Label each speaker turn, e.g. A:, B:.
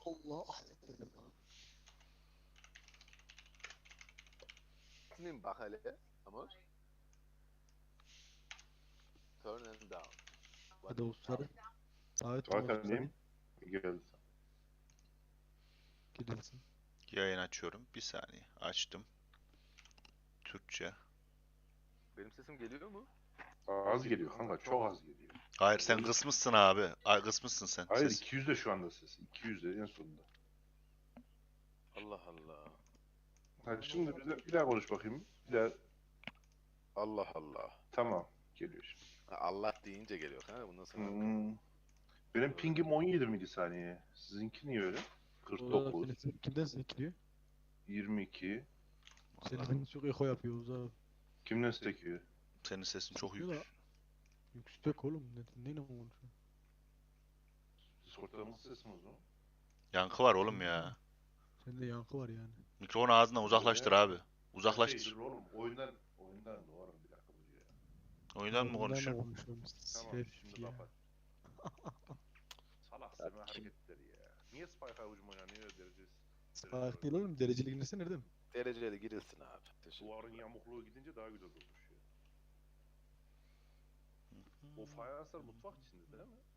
A: Allah.
B: Senin bak hele. Amor. Turn and down.
A: Hadi dostları. Davet
C: Zaten
A: dostları.
C: diyeyim. Geldi.
A: Girilsin.
D: Yayın açıyorum. Bir saniye. Açtım. Türkçe.
B: Benim sesim geliyor mu?
C: Az geliyor kanka, çok az geliyor.
D: Hayır sen kısmışsın abi. Ay kısmışsın sen.
C: Hayır,
D: Ses.
C: 200 de şu anda ses. 200 de en sonunda.
B: Allah Allah.
C: Hadi şimdi bir daha konuş bakayım. Bir daha.
B: Allah Allah.
C: Tamam. Geliyor şimdi.
B: Ha, Allah deyince geliyor kanka bundan sonra.
C: Benim pingim 17 milisaniye. Sizinki niye öyle? 49,
A: Kimden sekiliyor?
C: 22.
A: Senin çok eko yapıyoruz abi.
C: Kimden sekiyor?
D: Senin sesin çok
A: Sekiyor da-
D: yüksek.
A: Yüksek oğlum. Neyle konuşuyor?
C: Discord'da nasıl sesim o zaman?
D: Yankı var oğlum ya.
A: Sende yankı var yani.
D: Mikrofonu ağzından uzaklaştır abi.
C: Şey,
D: Uzaklaştır.
C: dur oğlum, oyundan doğru bir dakika bu ya.
D: Oyundan mı
A: Bunlarla
D: konuşuyorsun?
A: konuşuyorum.
C: Tamam,
A: Sef
C: şimdi
A: ya.
C: kapat. Salak seme hareketleri ya. Niye Spike'a hücum oynanıyor derecesi?
A: Spike değil oğlum. Dereceli girmesi nerede mi?
B: Dereceli girilsin abi. Teşekkür
C: Duvarın
B: ederim.
C: yamukluğu gidince daha güzel durmuş ya. O fayanslar mutfak içinde değil mi?